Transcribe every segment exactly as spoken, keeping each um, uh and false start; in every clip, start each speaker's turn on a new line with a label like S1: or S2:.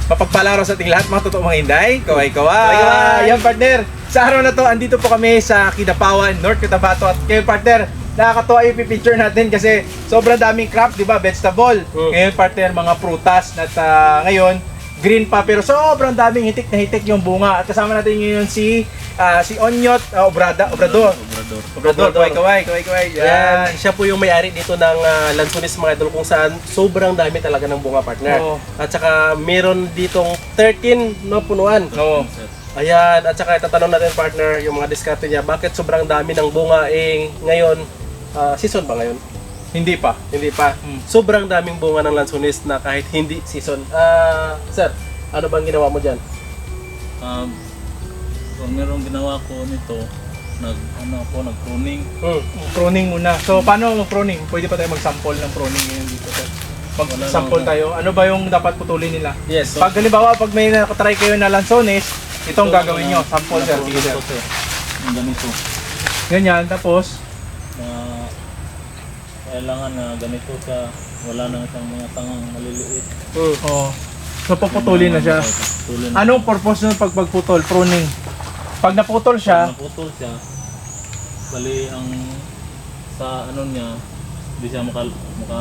S1: Mapagpalang araw sa ating lahat, mga totoong mga hinday. Kaway kaway. Yan partner, sa araw na to, andito po kami sa Kidapawan, North Cotabato. At kayo partner, nakakatuwa yung picture natin kasi sobrang daming crop, di ba? Vegetable. Mm. Ngayon partner, mga prutas. At uh, ngayon, green pa pero sobrang daming hitik na hitik yung bunga. At kasama natin ngayon si uh, si Onyot uh, Obrada, Obrador.
S2: Obrador.
S1: Obrador, kaway kaway, kaway kaway.
S3: Yan. Siya po yung may-ari dito ng uh, Lansones mga idol kung saan sobrang dami talaga ng bunga partner.
S1: Oo.
S3: At saka meron ditong thirteen no punuan.
S1: Oo.
S3: Ayan, at saka itatanong natin partner yung mga diskarte niya. Bakit sobrang dami ng bunga eh ngayon uh, season ba ngayon?
S1: Hindi pa.
S3: Hindi pa.
S1: Hmm.
S3: Sobrang daming bunga ng Lansones na kahit hindi season. Ah, sir, ano bang ginawa mo diyan?
S2: Um, kung merong ginawa ko nito, nag ano ako, nag-pruning.
S3: Hmm.
S1: Pruning muna. So paano mo pruning? Pwede pa tayo mag-sample ng pruning ngayon dito, sir. Mag-sample tayo. Ano ba yung dapat putulin nila?
S3: Yes. So,
S1: Pag halimbawa, pag may nakatry kayo na Lansones, itong
S2: Ito,
S1: gagawin
S2: ano,
S1: nyo. Sample, sir. Sige, sir.
S2: Ito, sir. Yung ganito.
S1: Ganyan, tapos,
S2: Na kailangan na ganito siya, wala na siyang mga tangang maliliit.
S3: hmm.
S1: oh, so puputulin na siya.
S2: Putulin.
S1: Anong purpose nun pag pagputol? Pruning. Pag naputol siya,
S2: Pag naputol siya, bali ang sa ano niya, hindi siya maka, maka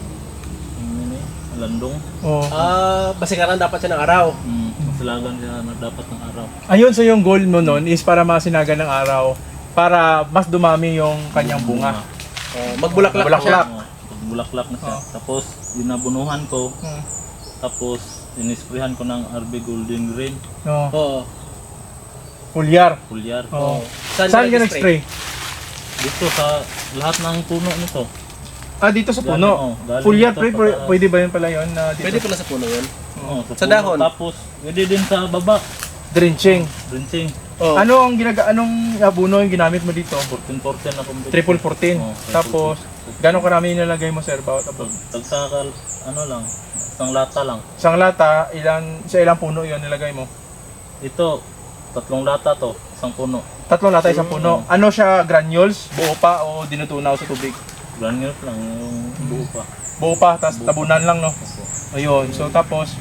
S2: ano ni, landong.
S1: oh.
S3: Ah, basikaran dapat siya ng araw.
S2: Mm, masalagan siya na dapat ng araw.
S1: Ayun, so yung goal mo nun is para masinaga ng araw, para mas dumami yung kanyang bunga.
S3: Oh, magbulaklak
S1: Bulaklak.
S3: siya.
S2: Oo, pag bulaklak na siya.
S1: Oo.
S2: Tapos, dinabunuhan ko.
S1: Hmm.
S2: Tapos, inisprehan ko ng R B Golden Green,
S1: No.
S3: Oo.
S1: Pulyar.
S2: pulyar.
S1: Oh.
S3: Saan
S1: Saan
S3: ka
S1: ka
S3: nag-spray?
S1: nag-spray?
S2: Dito sa lahat ng puno nito.
S1: Ah, dito sa
S2: Galing,
S1: puno.
S2: oh, galing
S1: Pulyar,
S2: dito
S1: pre,
S2: pa
S1: pwede,
S2: taas.
S1: pwede ba yun pala yun? Na dito?
S3: Pwede pala sa puno yun.
S2: Oo,
S3: Sa
S2: puno.
S3: dahon?
S2: Tapos, pwede din sa baba.
S1: Drenching.
S2: Drenching.
S3: Oh.
S1: Ano ang ginaga anong abuno yung ginamit mo dito?
S2: fourteen fourteen na complete.
S1: Triple fourteen.
S2: Oo, triple
S1: Tapos, gano'ng karami yung nilagay mo, sir? Bawat
S2: Pag
S1: abon?
S2: tagsakal, ano lang, isang lata lang.
S1: Isang lata, ilan, sa ilang puno yun nilagay mo?
S2: Ito, tatlong lata to, isang puno.
S1: Tatlong lata, isang puno. Ano siya, granules? Buo pa o dinutunaw sa tubig?
S2: Granules lang, yung buo pa.
S1: Buo pa, tapos
S2: Buo pa.
S1: tabunan lang, no?
S2: Opo,
S1: Ayun, so tapos,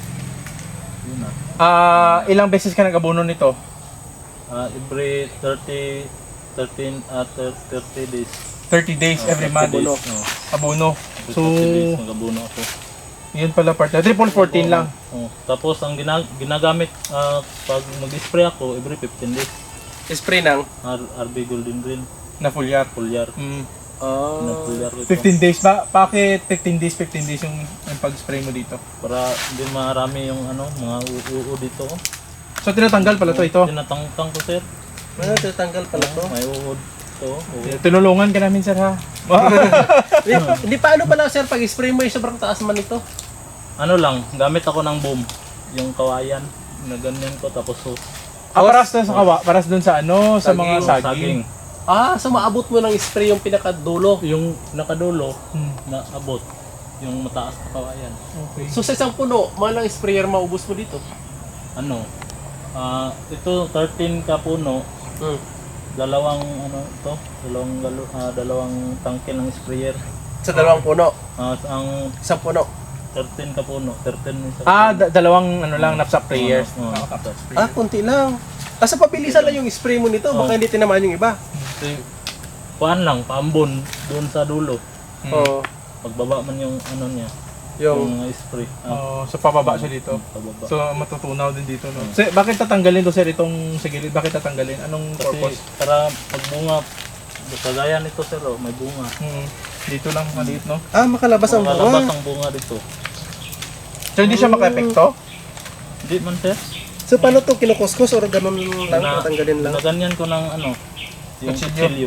S2: yun na.
S1: ah ilang beses ka nag-abono nito?
S2: Ah, every thirty, thirteen, at thirty days.
S1: thirty days,
S2: Ah,
S1: every
S2: thirty
S1: month,
S2: days,
S3: Abono.
S2: no.
S1: abono.
S2: Every
S1: So,
S2: thirty days, mag-abono ako.
S1: yun pala partner. Triple fourteen lang.
S2: Oh, tapos ang gina- ginagamit ah, pag mag-spray ako every fifteen days.
S3: Spray ng
S2: R- RB Golden Green,
S1: Na full yard.
S2: pulyar.
S1: Mm.
S3: ah,
S2: Pinapulyar ko ito.
S1: fifteen days ba? Bakit fifteen days, fifteen days yung, yung pag-spray mo dito?
S2: Para hindi marami yung ano, mga uuu dito. Oh.
S1: So, tinatanggal pala to ito.
S2: Tinatangtang ko, sir.
S3: ano tatanggal pala to?
S2: May uod to. uod.
S1: Tinulungan ka namin, sir, ha?
S3: Hindi, hindi pa ano pala sir pag spray mo yung sobrang taas man ito.
S2: Ano lang, gamit ako ng boom. Yung kawayan, na ganyan ko, tapos so,
S1: Ah, paras doon sa kawa, paras doon sa ano, sa mga
S3: Saging.
S1: saging.
S2: saging.
S3: Ah, so maabot mo ng spray yung pinakadulo.
S2: Yung nakadulo,
S1: Hmm.
S2: na abot. Yung mataas na kawayan.
S1: Okay.
S3: So sa isang puno, malang sprayer maubos mo dito.
S2: Ano, ah ito thirteen ka puno,
S3: Hmm.
S2: dalawang ano ito, dalawang galo, ah, dalawang tangke ng sprayer.
S3: Sa dalawang puno,
S2: Ah, ang
S3: isang puno.
S2: thirteen ka puno, thirteen isa.
S1: Ah, da- dalawang ano lang, napsak prayers.
S2: Oo, oo.
S1: Nakatapos
S3: Ah,
S1: prayers.
S3: kunti lang. Ah, sa pabilisan lang yung spray mo nito, baka
S2: Oh.
S3: hindi tinamaan yung iba.
S2: Kasi, kuhaan lang, paambon doon sa dulo.
S1: Hmm.
S3: Oo.
S2: Pagbaba man yung ano niya,
S3: Yung
S2: yung spray. Ah,
S1: Oh, so pababa siya dito.
S2: pababa.
S1: So matutunaw din dito, no. Sir, bakit tatanggalin to, sir, itong sa gilid? Bakit tatanggalin? Anong
S2: Kasi
S1: purpose?
S2: para pagbunga, kagaya nito sir, oh, may bunga.
S1: Hmm. Dito lang maliit, no.
S3: ah, makalabas ang
S2: Makalabas
S3: bunga.
S2: ang bunga dito.
S1: So hindi siya maka-epekto?
S2: Hindi man sir.
S3: So paano to kinukuskus or ganun lang
S2: Na-
S3: tatanggalin lang?
S2: Naganyan ko ng ano, yung
S1: Kutsilyo.
S2: kutsilyo.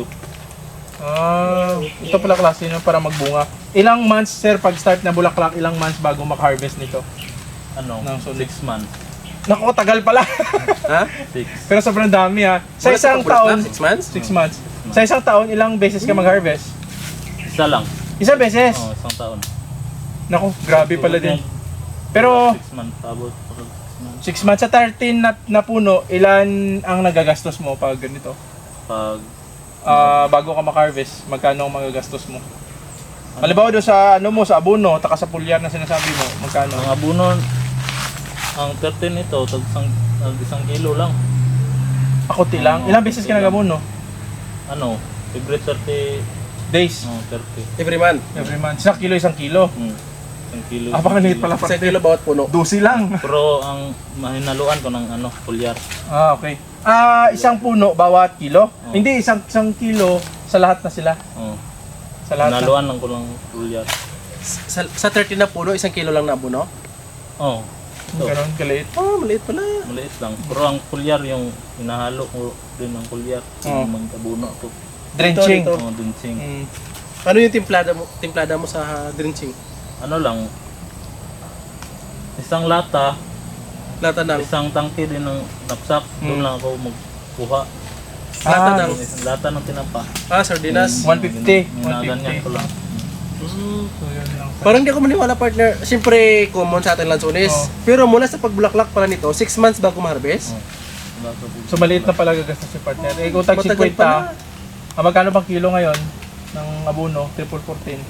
S1: Ah, ito pala klase no, para magbunga. Ilang months, sir, pag start na bulaklak, ilang months bago maka-harvest nito?
S2: Ano,
S1: Ng sulit.
S2: six months.
S1: Naku, tagal pala.
S3: Ha?
S2: Six.
S1: Pero sobrang dami, ha. Sa
S3: Wala
S1: isang
S3: sa pag-bulaklak?
S1: taon,
S3: Six months?
S1: six months. Sa isang taon, ilang beses ka mag-harvest?
S2: Isa lang.
S1: Isa beses.
S2: Oh, isang taon.
S1: Naku, grabe pala din. Pero,
S2: Six months, abot. Six months.
S1: six months sa thirteen na, na puno, ilan ang nagagastos mo pag ganito?
S2: Pag
S1: Ah, bago ka maka-harvest, magkano ang magagastos mo? Halimbawa doon sa ano mo, sa abono, taka sa pulyar na sinasabi mo, magkano?
S2: ang abuno, ang thirteen ito, tag isang, tag isang kilo lang.
S1: Ako lang. Ilang beses ka nagamuno?
S2: Ano, every thirty,
S1: Days.
S2: oh, thirty.
S3: Every month.
S1: Every month. Isang kilo, isang kilo.
S2: Hmm. Isang kilo.
S1: Ah, baka liit pala
S3: Sa
S1: partner.
S3: kilo bawat puno.
S1: Dusi lang.
S2: Pero ang mahinaluan ko ng ano, pulyar.
S1: Ah, okay. Ah, isang puno bawat kilo?
S2: Oh.
S1: Hindi, isang isang kilo sa lahat na sila.
S2: Oh.
S1: Sa lahat na.
S2: Hinaluan lang ko ng pulyar.
S3: Sa, sa thirty na puno, isang kilo lang na abuno?
S2: Oh. So,
S1: Ganon kaliit.
S3: Oh, maliit pala.
S2: maliit lang. Pero ang pulyar yung hinahalo ko din ng pulyar.
S1: Oh.
S2: Yung magkabuno ko.
S1: Drenching.
S3: Ito,
S2: Oh, dinsing.
S1: Mm.
S3: Ano yung timplada mo, timplada mo sa drenching?
S2: Ano lang, isang lata,
S3: Lata ng
S2: isang tangke din ng napsak. Doon
S1: Hmm.
S2: lang ako magkuha.
S3: lata
S1: Ah,
S3: ng
S2: Isang lata ng tinapa.
S3: ah, sardinas.
S1: one fifty.
S2: Ginaganyan ko lang.
S3: Mm.
S1: So, yun lang.
S3: Parang di ako maniwala, partner. Siyempre, common sa atin lansones.
S1: Oh.
S3: Pero mula sa pagbulaklak pala nito, six months bago ma-harvest.
S2: Oh. Wala ka po.
S1: So maliit na pala gagastos si partner. Eh kung tag
S3: Matagal
S1: fifty,
S3: pa na.
S1: ah, magkano bang kilo ngayon ng abono? Triple fourteen.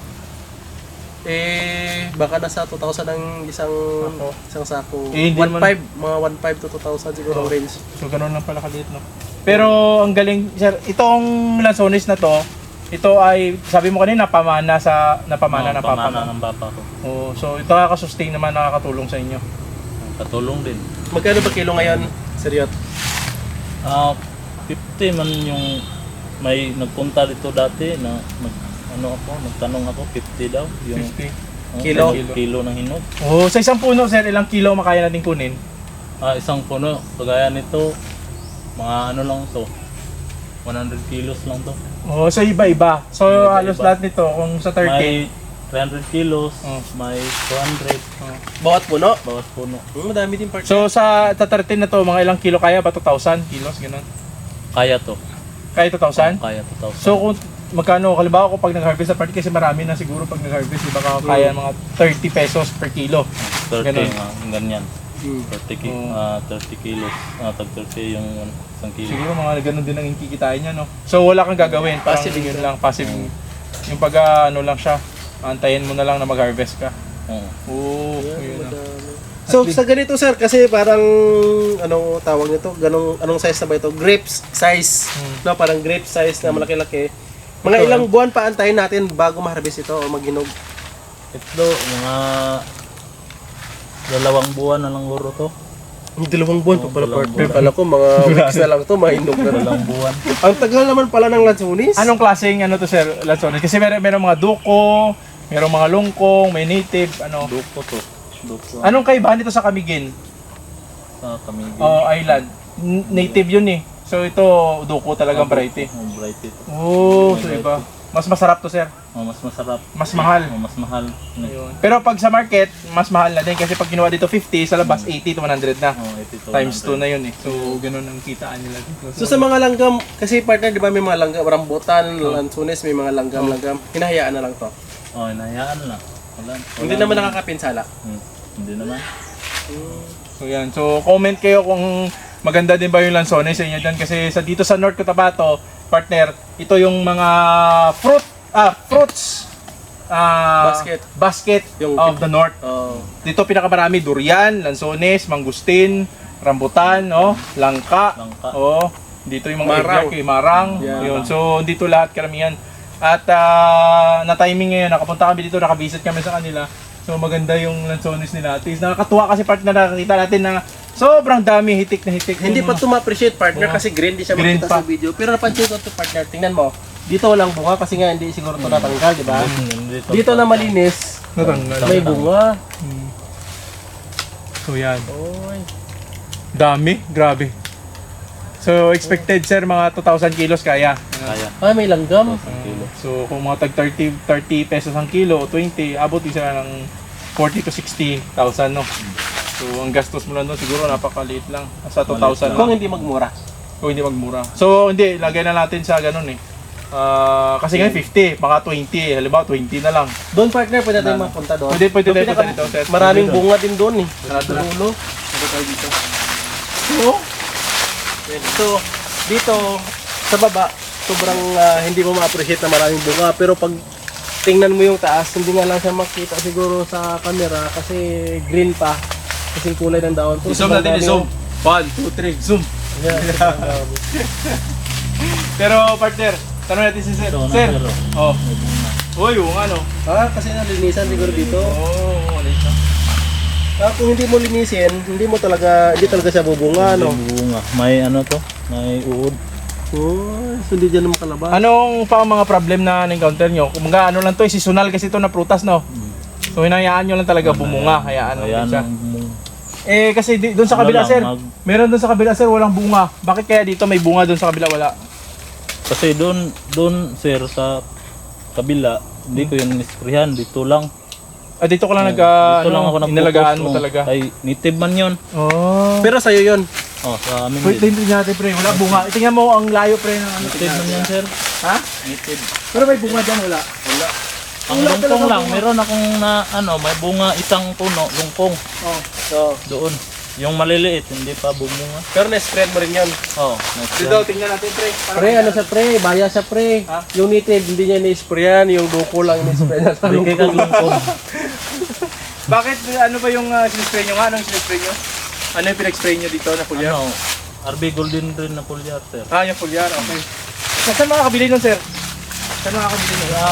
S3: Eh, baka nasa two thousand ang isang
S1: Ako.
S3: isang sako.
S1: Eh, hindi
S3: one
S1: naman-
S3: five, mga one five to two thousand siguro
S1: Oh.
S3: range.
S1: So ganoon lang pala kaliit, no? Pero ang galing, sir, itong lansones na to, ito ay, sabi mo kanina, pamana sa, napamana
S2: Oh,
S1: ng papa
S2: pamana
S1: mo.
S2: ng papa ko.
S1: Oh, so ito nakaka-sustain naman, nakakatulong sa inyo.
S2: Katulong din.
S3: Magkano ba kilo ngayon, Seriot?
S2: Ah, fifty man yung may nagpunta dito dati na nag, ano ako, nagtanong ako, fifty daw. Yung
S1: fifty.
S2: oh,
S3: Kilo?
S2: kilo. Kilo ng hinog.
S1: Oh, sa isang puno, sir, ilang kilo makaya natin kunin?
S2: Ah, isang puno, kagaya nito, mga ano lang to, one hundred kilos lang to.
S1: Oh, so iba-iba. So
S2: Iba-iba.
S1: halos lahat nito, kung sa thirty.
S2: May three hundred kilos,
S1: Oh.
S2: may two hundred,
S1: Oh.
S3: Bawat puno?
S2: bawat puno.
S3: Hmm, madami din, partner.
S1: So sa sa thirty na to, mga ilang kilo kaya ba? two thousand kilos, ganun?
S2: Kaya to.
S1: Kaya two thousand?
S2: Kaya two thousand.
S1: So kung magkano, halimbawa ko pag nag-harvest sa party, kasi marami na siguro pag nag-harvest, di ba kaya mga thirty pesos per kilo.
S2: thirty,
S1: ganun.
S2: ah, ganyan.
S3: Hmm.
S2: thirty, ki-
S1: Oh.
S2: ah, thirty kilos, ah, tag thirty yung one- isang kilo.
S1: Siguro mga ganun din ang kikitain niya, no? So wala kang gagawin, parang
S3: Passive
S1: yun
S3: income.
S1: lang, passive. Yung pag ah, ano lang siya, antayin mo na lang na mag-harvest ka.
S2: Oo.
S1: Oo,
S3: Yeah,
S1: yun na.
S3: madami. So sa ganito, sir, kasi parang anong tawag nito? Ganong anong size na ba ito? Grapes size.
S1: Hmm.
S3: No, parang grape size na malaki-laki. Mga
S1: Ito,
S3: ilang buwan pa antayin natin bago ma-harvest ito o maghinog?
S2: Ito, mga dalawang buwan na lang guro to.
S3: Ang dalawang buwan pa
S2: Oh,
S3: pala,
S2: dalawang
S3: partner.
S2: buwan.
S3: Kala ko mga weeks na lang to, mahinog na.
S2: Dalawang buwan.
S3: Ang tagal naman pala ng lansones.
S1: Anong klaseng ano to, sir, lansones? Kasi meron, meron mga duko, meron mga lungkong, may native, ano.
S2: Duko to. Duko.
S1: Anong kaibahan nito sa Camiguin?
S2: Sa Camiguin.
S1: Oh, island. N- native yun eh. So ito, duko talagang variety.
S2: Oh, variety to.
S1: Oh, so iba. Mas masarap to, sir.
S2: Oh, mas masarap.
S1: Mas mahal.
S2: Oh, mas mahal.
S1: Ayun. Pero pag sa market, mas mahal na din kasi pag ginawa dito fifty, sa labas eighty to one hundred na.
S2: Oh, eighty to
S1: Times two
S2: one hundred.
S1: na yun eh. So, ganun ang kitaan nila dito.
S3: So sa mga langgam, kasi partner, di ba may mga langgam, rambutan, lansones, may mga langgam-langgam. Hinahayaan na lang to.
S2: Oh, inayaan na. Wala. wala
S3: Hindi naman nakakapinsala.
S2: Hmm, hindi naman.
S1: So yan. So comment kayo kung maganda din ba yung lansones sa inyo dyan kasi sa dito sa North Cotabato, partner, ito yung mga fruit ah fruits ah
S3: Basket.
S1: basket
S3: Yung
S1: of the North.
S3: Oh.
S1: Dito pinakamarami durian, lansones, mangustin, rambutan, no, langka.
S2: Langka.
S1: Oh, dito yung mga
S3: Marang.
S1: marang, marang.
S3: Yeah.
S1: Yun. So dito lahat karamihan. At ah, na timing ngayon, nakapunta kami dito, nakabisit kami sa kanila. So maganda yung lansones nila. At least nakakatuwa kasi part na nakakita natin na sobrang dami, hitik na hitik.
S3: Hindi
S1: yung
S3: pa
S1: mga-
S3: ito ma-appreciate, partner,
S1: Oo.
S3: kasi green di siya
S1: Green
S3: makita
S1: pa.
S3: sa video. Pero napansin ko ito, partner, tingnan mo. Dito walang bunga kasi nga hindi siguro ito natanggal, di ba?
S2: Hmm, hindi to.
S3: Dito na malinis,
S1: Natanggal.
S3: may bunga.
S1: Hmm. So yan.
S3: Oy.
S1: Dami, grabe. So expected sir mga two thousand kilos kaya.
S2: Kaya.
S3: Ah, may langgam.
S2: Isang kilo.
S1: So kung mga tag thirty, thirty pesos ang kilo, twenty, abot din sila ng forty to sixty thousand, no? So ang gastos mo lang doon siguro napakaliit lang. Sa two thousand
S3: Kung
S1: lang.
S3: hindi magmura.
S1: Kung hindi magmura. So hindi, lagay na natin sa ganun eh. Ah, kasi ngayon fifty, mga twenty, halimbawa twenty na lang.
S3: Doon, partner, pwede tayo
S1: Wala na.
S3: mapunta doon.
S1: Pwede, pwede
S3: Doon
S1: tayo
S3: pinaka-
S1: punta dito, sir.
S3: Maraming
S1: Pwede doon.
S3: bunga din doon eh.
S1: Sarado
S3: Sa
S1: na.
S3: dulo.
S1: Pwede tayo dito.
S3: So, so, dito, sa baba, sobrang ah, hindi mo ma-appreciate na maraming bunga. Pero pag tingnan mo yung taas, hindi nga lang siya makita siguro sa camera kasi green pa. Kasing kulay ng daon. to.
S1: I-zoom
S3: Sobrang
S1: natin,
S3: dami
S1: i-zoom.
S3: yun.
S1: One, two, three, zoom.
S3: Yeah, sobrang dami.
S1: Pero partner, tanong natin si Sir.
S2: Ito na,
S1: Sir,
S2: sir,
S1: oh.
S2: May bunga.
S1: Uy, yung ano.
S3: Ah, kasi nalinisan siguro dito.
S1: Oh, ulit na.
S3: Ah, kung hindi mo linisin, hindi mo talaga, hindi talaga siya bubunga, no?
S2: May bunga. May ano to? May uod.
S3: Oh, so hindi dyan naman kalabas.
S1: Anong pa ang mga problem na na-encounter nyo? Kumbaga ano lang to, eh, seasonal kasi to na prutas, no? So hinayaan nyo lang talaga bumunga, hayaan lang
S2: Ayan
S1: din siya.
S2: ang bunga.
S1: Eh kasi di, doon sa
S2: Ano
S1: kabila
S2: lang,
S1: sir,
S2: mag-
S1: meron doon sa kabila sir walang bunga. Bakit kaya dito may bunga, doon sa kabila wala?
S2: Kasi doon, doon sir sa kabila, hindi ko yung nisprihan. Dito lang.
S1: Ah, dito ko lang nag
S2: Dito lang ako
S1: ano,
S2: nag-focus.
S1: inalagaan mo
S2: Oh,
S1: talaga.
S2: Ay, native man yun.
S1: Oh.
S3: Pero sa'yo yun.
S2: Oh, sa amin
S1: Wait,
S2: din.
S1: tingnan natin pre, wala bunga. Tingnan mo ang layo pre ng ano.
S2: Native man yan sir.
S1: Ha?
S2: Native.
S1: Pero may bunga diyan wala. Wala.
S2: Ang
S1: Wala
S2: lungkong
S1: talaga
S2: lang,
S1: bunga.
S2: meron akong na ano, may bunga isang puno, lungkong
S1: Oh.
S3: So,
S2: doon. Yung maliliit, hindi pa bumunga.
S3: pero na-spread mo rin yun.
S2: Oh, nice
S1: Dito
S2: yan.
S1: tingnan natin pre. Para
S3: Pre, ano sa pre? Baya sa pre.
S1: Ha?
S3: Yung native, hindi niya ni-sprayan. Yung duko lang ni-spray na sa
S2: Hindi ka
S3: lungkong.
S2: lungkong.
S1: Bakit ano ba yung uh, spray nyo nga? Anong spray nyo? Ano yung pinag-spray nyo dito na pulyar?
S2: Ano, R B Golden Rin na pulyar sir.
S1: Ah, yung pulyar, okay. Saan makakabili nun sir? Saan makakabili nun?
S2: Kaya,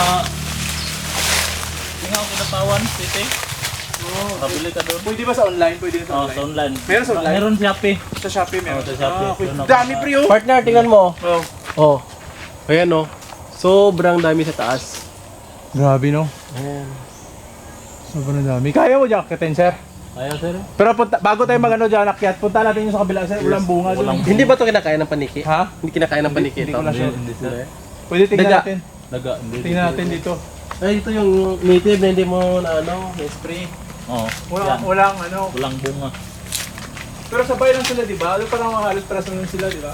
S2: tingnan ko Kinatawan City.
S1: Oh,
S2: Kabili ka doon.
S1: pwede ba sa online? Pwede na sa
S2: Oh,
S1: online?
S2: sa online.
S1: Meron sa online?
S2: Meron Shopee.
S1: Sa Shopee meron?
S2: Oh, sa Shopee.
S1: Ah, okay.
S2: Doon ako
S1: Dami
S2: na-
S1: pre oh.
S3: Partner, tingnan mo.
S1: Oh.
S3: Oh. Ayan oh. Sobrang dami sa taas.
S1: Grabe no.
S3: Ayan.
S1: Sobrang dami. Kaya mo dyan akitin sir?
S2: Kaya sir.
S1: Pero punta, bago tayo magano dyan akyat, punta natin yung sa kabila sir. Walang bunga doon.
S2: Walang-
S3: Hindi ba to kinakain ng paniki?
S1: Ha?
S3: Hindi kinakain ng paniki
S1: Hindi
S3: ito.
S1: ko na sure.
S2: Hindi sir.
S1: Pwede tingnan
S3: Daga.
S1: natin.
S2: Daga. Hindi.
S1: Tingnan natin dito.
S3: Ay, ito yung native na hindi mo na ano, na-spray.
S2: Oh,
S1: Walang,
S2: yan.
S1: walang ano.
S2: Walang bunga.
S1: Pero sabay lang sila, di ba? Ano parang halos para sa sila, di ba?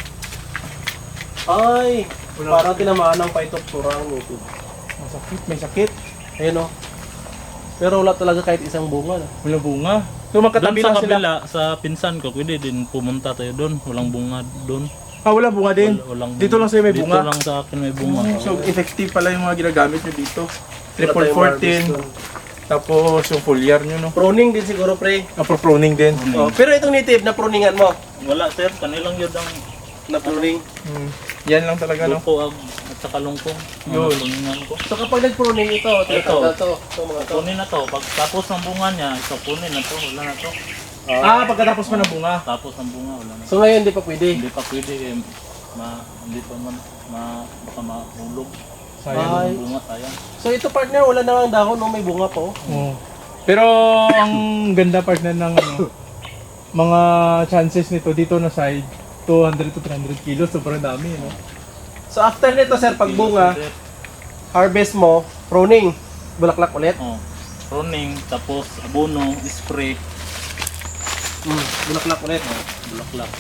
S3: Ay,
S1: Wala.
S3: parang tinamaan ng phytophthora ang native.
S1: Masakit, may sakit.
S3: Ayun oh. Pero wala talaga kahit isang bunga. No?
S1: Walang bunga. So
S2: Doon
S1: magkatabi
S2: sa
S1: lang sila.
S2: kabila, sa pinsan ko, pwede din pumunta tayo doon. Walang bunga doon.
S1: Ah, walang bunga din.
S2: Wal- walang
S1: Dito lang sa'yo may bunga.
S2: Dito lang sa akin may bunga.
S1: So effective pala yung mga ginagamit nyo dito.
S3: Wala
S1: Triple
S3: tayong
S1: fourteen.
S3: harvest doon.
S1: Tapos yung foliar nyo, no?
S3: Pruning din siguro, pre.
S1: Ah, for pruning din.
S3: Oh, pero itong native na pruningan mo.
S2: Wala sir, kanilang yun ang
S3: Na pruning.
S1: Hmm. Yan lang talaga, no?
S2: lupo ag at saka lungkong.
S1: Yun.
S2: Mga tulingan ko.
S3: So kapag nag-pruning ito, tinatanggal to. Ito mga to.
S2: Kunin na to. Pag tapos ng bunga niya, ito kunin na to. Wala na to.
S1: Ah, pagkatapos pa ng bunga.
S2: Tapos ng bunga, wala na.
S3: So ngayon hindi pa pwede.
S2: Hindi pa pwede eh, ma, hindi pa man, ma, baka mahulog.
S1: Sayang.
S3: Ay.
S2: Yung bunga, sayang.
S3: So ito partner, wala na ang dahon, no? May bunga pa oh.
S1: Oo. Pero ang ganda partner ng ano, mga chances nito dito na side, two hundred to three hundred kilos, sobrang dami, no?
S3: So after nito sir, pag bunga, harvest mo, pruning, bulaklak ulit.
S2: Oh. Pruning, tapos abono, spray,
S3: Mm, bulaklak ulit.
S2: oh, bulaklak.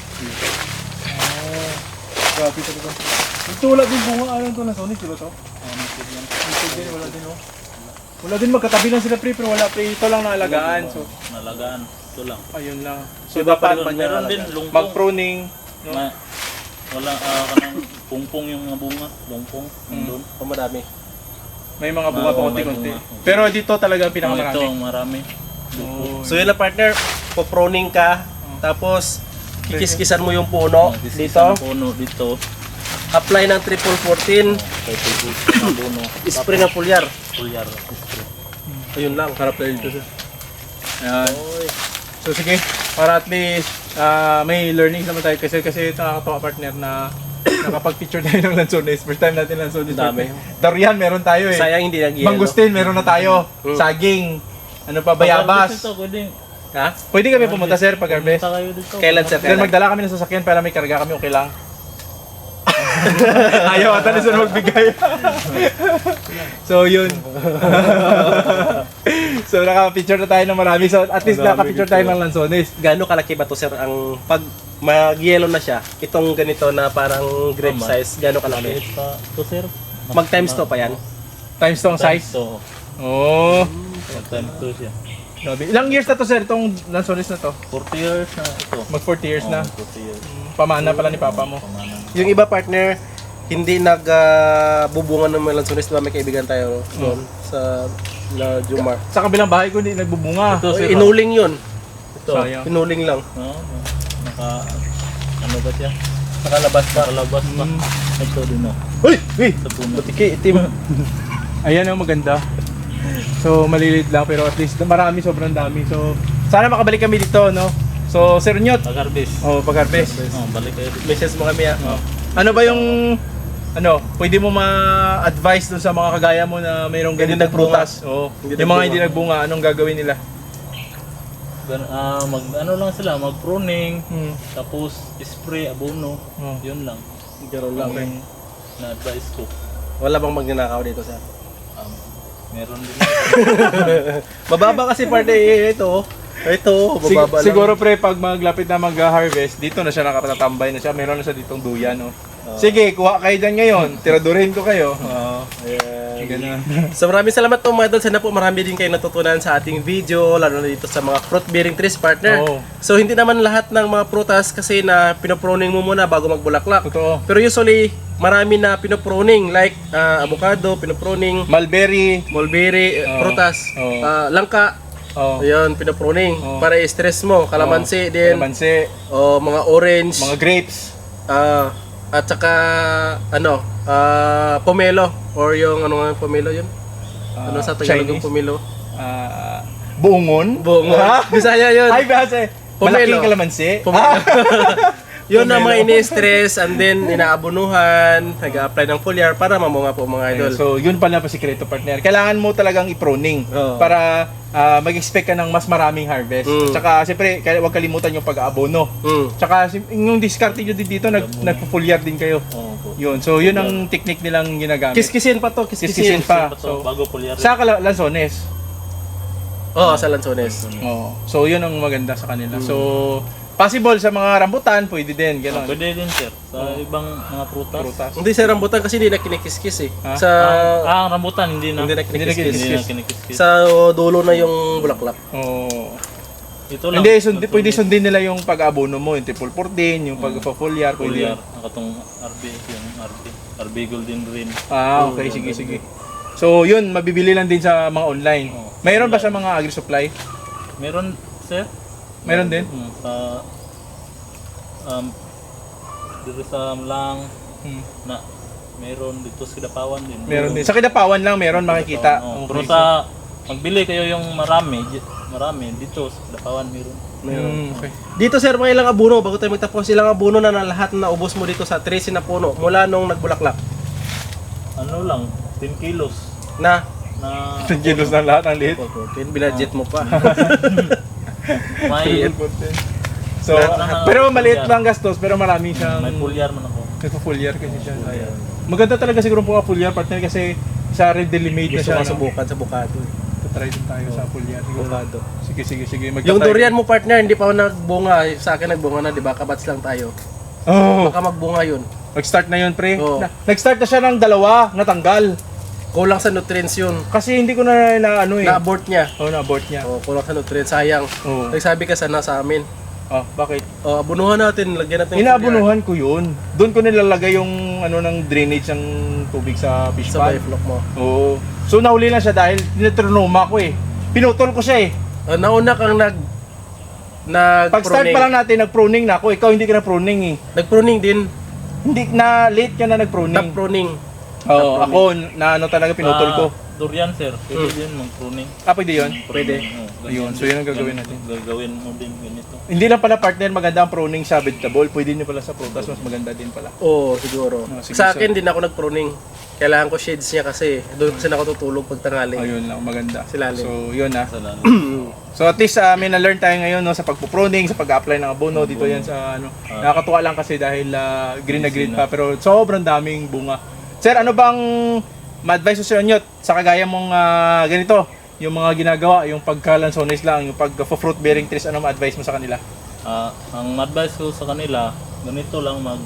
S1: Oh, grabe talaga. Ito wala din bunga, ano to na Sonic, di ba to?
S2: Oh, native yan.
S1: Ito din, wala din, oh. Wala din, magkatabi lang sila pre, pero wala pre, ito lang naalagaan, so
S2: Nalagaan. Ito lang.
S1: ayun lang. So
S3: Iba pa
S1: dapat
S3: rin pag
S2: Meron
S3: nalagaan.
S2: din lungkong.
S1: mag-pruning, no?
S2: Ma, wala, ah, kanang pungpong yung mga bunga. Lungkong. Nandun.
S3: Oh, madami.
S1: May mga bunga
S2: Ah,
S1: pa
S2: oo,
S1: konti-konti.
S2: may bunga.
S1: Pero dito talaga ang
S2: Oh, ito,
S1: pinakamarami.
S2: ang marami.
S1: Oh,
S3: So yun na partner, po-pruning ka, tapos kikiskisan mo yung puno
S2: Oh, this is
S3: dito,
S2: ang puno dito.
S3: apply ng triple fourteen,
S2: Kay Pipis, ang abono.
S3: spray ng foliar.
S2: Pulyar. Spray.
S3: Ayun lang.
S1: harap tayo dito sir. Ayan.
S3: Oy.
S1: So sige, para at least ah, may learning naman tayo kasi kasi ito nakakatawa partner na nakapag-feature tayo ng lansones. First time natin lansones.
S3: Dami.
S1: Durian meron tayo eh.
S3: Sayang hindi nag-yellow.
S1: Mangustin meron na tayo.
S3: Mm.
S1: Saging. Ano pa,
S2: Pag-harvest
S1: bayabas.
S2: ito, pwede.
S3: Ha?
S1: Pwede kami pumunta sir pag harvest.
S2: Pumunta kayo dito.
S3: Kailan sir?
S1: Then magdala kami ng sasakyan para may karga kami, okay lang. Ayaw ata ni sir magbigay. So yun. So naka-picture na tayo ng marami. So at least
S3: Marami
S1: naka-picture
S3: dito.
S1: tayo ng lansones.
S3: Gaano kalaki ba to sir ang pag mag-yellow na siya, itong ganito na parang grape
S2: Tama.
S3: size, gaano
S2: Maliit
S3: kalaki?
S2: pa. Ito sir.
S3: Mag times to pa yan?
S1: Times to ang size.
S2: So,
S1: Oh.
S2: time to siya.
S1: Grabe. Ilang years na to sir itong lansones na to?
S2: forty years na ito.
S1: Mag forty years na.
S2: Oh, forty years.
S1: Pamana pala ni papa mo.
S2: Pamanan.
S3: Yung iba partner, hindi nagbubunga ng melansonis, diba may kaibigan tayo doon sa La Jumar.
S1: Sa kabilang bahay ko hindi nagbubunga.
S2: Ito, sir,
S3: Inuling yun.
S2: Ito.
S1: Sayang.
S3: Pinuling lang.
S2: Oh, naka, ano ba siya?
S3: Nakalabas pa.
S2: Nakalabas pa.
S1: Mm.
S2: Ito din oh.
S3: Uy! Uy!
S2: Sa puno.
S3: Butiki, itim.
S1: Ayan ang maganda. So malilit lang pero at least marami, sobrang dami. So sana makabalik kami dito, no? So Sir Nyot,
S2: Pag-harvest.
S1: oh, pag-harvest.
S2: Oh, balik kayo dito.
S3: Message mo kami ah.
S1: Oh. Ano ba yung ano, pwede mo ma-advise dun sa mga kagaya mo na mayroong
S3: Hindi
S1: ganitong
S3: nagbunga.
S1: prutas? Oo.
S3: Hindi
S1: Yung mga
S3: nagbunga.
S1: hindi nagbunga, anong gagawin nila?
S2: Gan- ah, mag ano lang sila, mag pruning,
S1: Hmm.
S2: tapos spray abono.
S1: Oh.
S2: Yun lang.
S3: Ganun lang.
S2: Ang na-advise ko.
S3: Wala bang magnanakaw dito sir?
S2: Um, meron din.
S3: Mababa kasi parte eh, ito. Ito,
S1: Sig-
S3: mababa lang.
S1: siguro pre, pag maglapit na mag-harvest, dito na siya nakatatambay na siya. Meron na siya ditong duyan, no?
S3: Oo.
S1: Sige, kuha kayo dyan ngayon. Tiradurin ko kayo. Oo.
S3: Ayan.
S1: Ganun.
S3: So maraming salamat po mga idol. Sana po marami din kayo natutunan sa ating video, lalo na dito sa mga fruit bearing trees partner.
S1: Oo.
S3: So hindi naman lahat ng mga prutas kasi na pinopruning mo muna bago magbulaklak.
S1: Totoo.
S3: Pero usually, marami na pinopruning like ah, avocado, pinopruning,
S1: Mulberry.
S3: mulberry, eh,
S1: Oo.
S3: prutas,
S1: Oo.
S3: ah, langka.
S1: Oh.
S3: Ayun, pinopruning
S1: Oo.
S3: para i-stress mo, kalamansi din,
S1: Kalamansi.
S3: o mga orange,
S1: Mga grapes.
S3: ah, at saka ano, ah, pomelo or yung ano nga yung pomelo yun?
S1: ah,
S3: Ano sa Tagalog yung
S1: Chinese.
S3: pomelo?
S1: Ah, buongon.
S3: Bungo.
S1: Ah?
S3: Bisaya yun.
S1: Ay, base.
S3: Pomelo.
S1: Malaking kalamansi.
S3: Pomelo. Yun ang mga
S1: Pomelo.
S3: ini-stress and then inaabunuhan, nag-apply ng foliar para mamunga po mga idol.
S1: Ayun, so, yun pala pa sikreto partner. Kailangan mo talagang i-pruning
S3: Oo.
S1: para ah, mag-expect ka ng mas maraming harvest.
S3: Mm.
S1: Tsaka, siyempre, kaya huwag kalimutan yung pag-aabono.
S3: Mm.
S1: Tsaka, sim- yung discarte nyo din dito, nag, nagpo-foliar din kayo.
S2: Oo po.
S1: Yun, so yun ang technique nilang ginagamit.
S3: Kiskisin pa to,
S1: Kiskisin
S3: kiskisin.
S1: pa.
S2: Ito,
S1: So,
S2: bago pulyar.
S1: sa Cala- Lanzones.
S3: Oo, sa Lanzones.
S1: Oo. So, yun ang maganda sa kanila. So, possible sa mga rambutan, pwede din,
S2: Ah,
S1: gano'n.
S2: pwede din sir. Sa ibang mga prutas.
S1: Prutas.
S3: Hindi sa rambutan kasi hindi na kinikiskis eh.
S1: Ha?
S3: Sa
S2: Ah, ang rambutan hindi na.
S3: hindi na
S1: Hindi na
S3: kinikiskis.
S2: Hindi na
S1: kinikiskis.
S2: kinikiskis.
S3: Sa dulo na yung bulaklak.
S1: Oo.
S2: Ito lang.
S1: Hindi, sundi, pwede sundin nila yung pag-abono mo, yung triple fourteen, yung pag-foliar, pwede
S2: Pulyar.
S1: yun.
S2: Ang katong R B, yung R B. R B Golden Rin.
S1: Ah, okay, sige, sige. So, yun, mabibili lang din sa mga online.
S2: Oo.
S1: Mayroon ba sa mga agri-supply?
S2: Meron sir?
S1: Meron din?
S2: Mm, sa um dito sa Amlang
S1: Hmm.
S2: na meron dito sa Kidapawan din.
S1: Meron din. Sa Kidapawan lang, meron makikita.
S2: Oo.
S1: Okay.
S2: Pero sa magbili kayo yung marami, di- marami dito sa Kidapawan meron.
S1: Hmm, okay.
S3: Dito sir, mga ilang abuno, bago tayo magtapos, ilang abuno na, na lahat na ubos mo dito sa tresi na puno mula nung nagbulaklak
S2: Ano lang, ten kilos
S3: na
S2: na
S1: ten kilos na lahat ang liit.
S3: fourteen, binadget mo pa.
S2: may
S1: So, pero maliit lang gastos, pero marami siyang
S2: may pulyar man ako.
S1: nagpo-foliar kasi siya. Ayan. Maganda talaga siguro po ang foliar partner kasi sa readily made na
S3: Gusto
S1: siya.
S3: ko
S1: No?
S3: subukan sa bukado.
S1: Try din tayo sa foliar. Siguro.
S3: Bukado.
S1: Sige, sige, sige. Magta-
S3: Yung durian mo partner, hindi pa ako nagbunga. Sa akin nagbunga na, di ba? Kabats lang tayo.
S1: Oh,
S3: Baka magbunga yun.
S1: nag-start na yun, pre.
S3: Oo.
S1: Na- nag-start na siya ng dalawa, natanggal.
S3: Kulang sa nutrients yun.
S1: Kasi hindi ko na, na ano eh.
S3: Na-abort niya.
S1: Oh, na-abort niya.
S3: Oh, kulang sa nutrients. Sayang.
S1: Oo.
S3: Nagsabi ka sana sa amin.
S1: Oh, bakit?
S3: Oh, abunuhan natin. Lagyan natin. ng
S1: Inaabunuhan ko yun. Doon ko nilalagay yung ano ng drainage ng tubig sa fish
S3: foliar Sa
S1: pond.
S3: biflock mo.
S1: Oo. So nahuli lang siya dahil tinatronoma ko eh. Pinutol ko siya eh.
S3: Oh, nauna kang nag... nag
S1: Pag-start pa lang natin, nag-pruning na ako. Ikaw hindi ka na-pruning eh.
S3: Nag-pruning din.
S1: Hindi na late ka na
S3: Top
S1: nag-pruning.
S3: pruning.
S1: Oo, ako na ano talaga pinutol ko.
S2: Ah, durian sir, pwede
S3: Hmm.
S2: din mag-pruning.
S1: Ah, pwede yun?
S3: Pwede.
S2: Oo,
S1: Ayun,
S2: ganyan
S1: so yun ang
S2: din.
S1: gagawin natin.
S2: Gagawin mo din ganito.
S1: Hindi lang pala partner, maganda ang pruning sa vegetable. Pwede nyo pala sa prutas, mas maganda din pala.
S3: Oo, siguro.
S1: Oh, sige,
S3: sa
S1: so-
S3: akin din ako nag-pruning. Kailangan ko shades niya kasi doon kasi ako tutulog pag tanghali.
S1: Ayun lang, maganda.
S3: Silalim.
S1: So, yun ah.
S2: Sa lalo.
S1: So at least uh, may na-learn tayo ngayon no, sa pagpo-pruning, sa pag-apply ng abono. Dito yan sa ano. Nakakatuwa lang kasi dahil ah, green na green pa pero sobrang daming bunga. Sir, ano bang ma-advise ko sa inyo sa kagaya mong ah, ganito? Yung mga ginagawa, yung pagka-lanzones lang, yung pag-fruit bearing trees, ano ma-advise mo sa kanila?
S2: Ah, ang advice ko sa kanila, ganito lang mag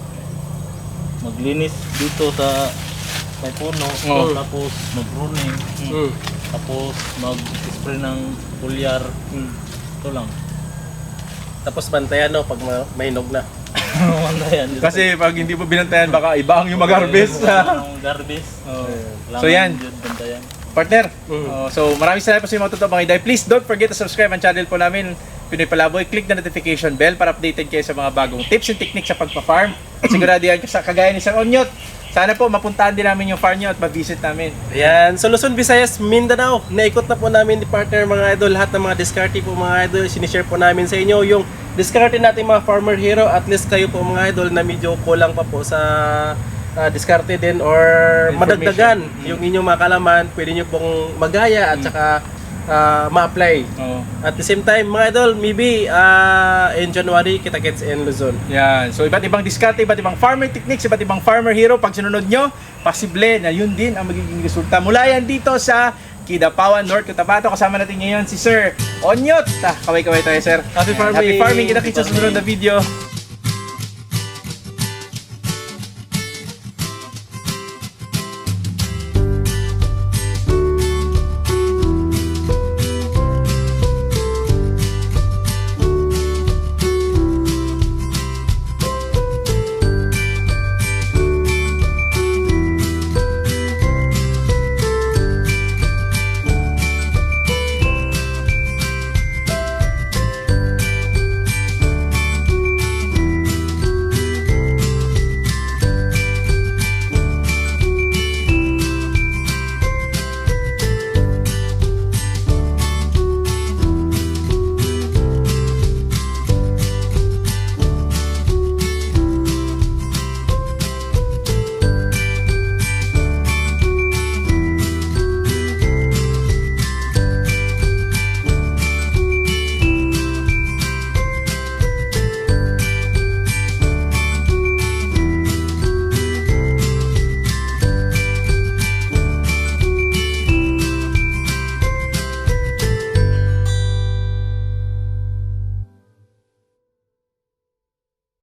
S2: maglinis dito sa may puno,
S1: Oo.
S2: tapos mag-pruning,
S3: Mm.
S2: tapos mag-spray ng pulyar.
S1: Hmm.
S2: Ito lang.
S3: Tapos bantayan no pag ma- mainog na.
S2: Ayan, dito.
S1: Kasi pag hindi mo binantayan, baka iba ang yung mag-harvest.
S2: Ang garbage.
S1: Oh.
S2: Kailangan
S1: So yan.
S2: yun, bantayan.
S1: Partner,
S3: Mm.
S1: oh, so maraming salamat po sa mga totoo mga iday. Please don't forget to subscribe ang channel po namin. Pinoy Palaboy, click the notification bell para updated kayo sa mga bagong tips and techniques sa pagpa-farm. At sigurado yan sa kagaya ni Sir Onyot. Sana po mapuntahan din namin yung farm nyo at ma-visit namin.
S3: Ayan, so Luzon, Visayas, Mindanao. Naikot na po namin ni partner mga idol. Lahat ng mga diskarte po mga idol, sinishare po namin sa inyo yung diskarte natin mga farmer hero. At least kayo po mga idol na medyo kulang pa po sa uh, diskarte din or madagdagan yung inyong mga kalaman. Pwede nyo pong magaya at saka uh, ma-apply.
S1: Oo.
S3: At the same time mga idol, maybe uh, in January kita-kits in Luzon.
S1: Yan. So, iba't ibang diskarte, iba't ibang farmer techniques, iba't ibang farmer hero. Pag sinunod nyo, posible na yun din ang magiging resulta. Mula yan dito sa Kidapawan, North Cotabato. Kasama natin ngayon si Sir Onyot. Ah, kaway-kaway tayo, Sir.
S3: Happy farming!
S1: Happy farming! Kita-kits sa susunod na video.